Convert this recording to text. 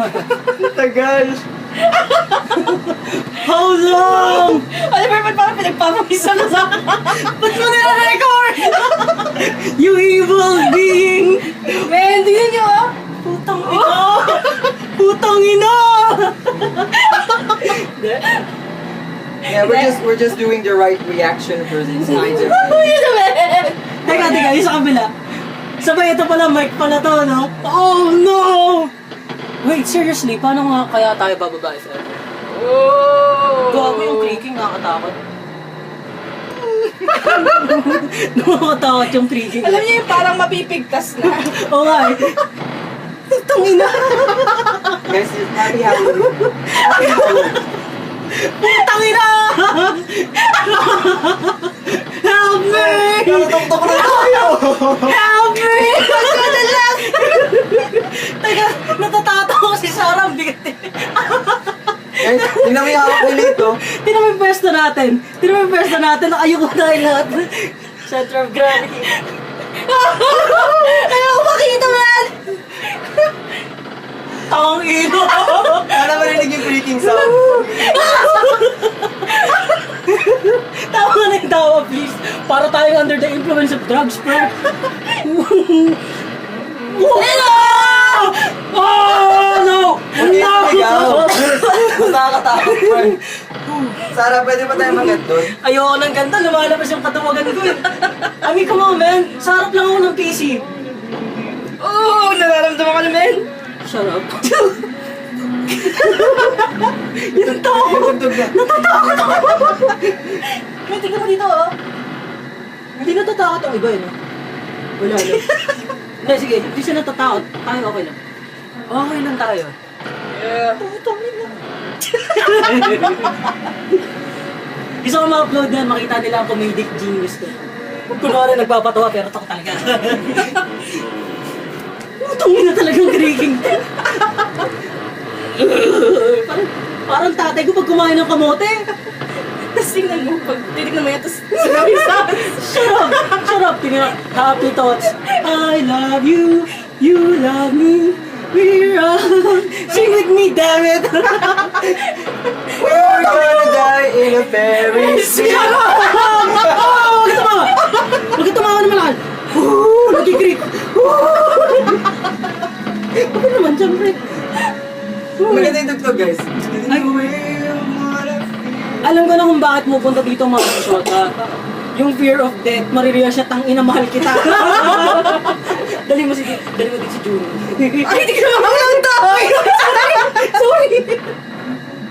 Tagal. How long? Ano ba naman parang pinagpapamisa na sa akin? Ba't mo nire-record? You evil being! Men, tingnan nyo ah! Putang ina! Putang ina! Yeah, we're just doing the right reaction for these kinds of Yun na men! Teka, yung sa kabila. Sabay, ito pala, mic pala to, no? Oh, no! Wait, seriously, paano nga kaya tayo bababa sa ito? Oh! Gawa mo yung creaking, nakakatakot. Nakakatakot yung creaking. Alam niyo yung parang mapipigtas na. Oo nga eh. Putang ina! guys, happy Halloween. Happy Halloween. Putang ina! Help me! Natutoktok na tayo! Help me! Teka, natatawa ko si Sarah, ang bigat eh. Guys, tingnan mo yung hawak ni Lito. Tingnan mo yung pwesto natin. Tingnan mo yung pwesto natin. Nakayuko tayo lahat. Center of gravity. Ayaw ko makita man! Tawang ino. Sana marinig yung freaking sound. Tawa na yung tawa, please. Para tayong under the influence of drugs, bro. Oh, no! Okay, No! Mas nakakatakot pa. Sarah, pwede ba tayo mag-get doon? Ayoko ng ganda, lumalabas yung katawagan ko eh. I mean, come on, man. Sarap lang ako ng PC. Oh! Nararamdaman ka na men! Shut up. Yung tawa ko. Yung tugtog na. Natatakot ako. May tingnan mo dito, oh. Hindi natatakot ang iba, eh. No? Wala lang. Hindi, sige. Hindi siya natatakot. Tayo okay lang. Okay lang tayo. Yeah. Putang ina. Gusto ko ma-upload yan, makita nila ang comedic genius ko. Kunwari nagpapatawa pero tako talaga. Putang ina talagang creaking. parang tatay ko pag kumain ng kamote. Tapos tingnan mo, pag titignan mo yan, tapos sinabi sa akin. Shut up. Tingnan mo. Happy thoughts. I love you. You love me. We're on. Sing with me, damn it. We're gonna die in a fairy Sige tale. ako! Oh, huwag ka tumawa! Huwag ka tumawa naman lahat! Nagkikrik! Ano naman, siyempre? Maganda yung tugtog, guys. Ay. Alam ko na kung bakit mo punta dito mga shota. Yung fear of death, marirealize siya, tang ina, mahal kita. Dali mo din si June. Ay, hindi ka naman to!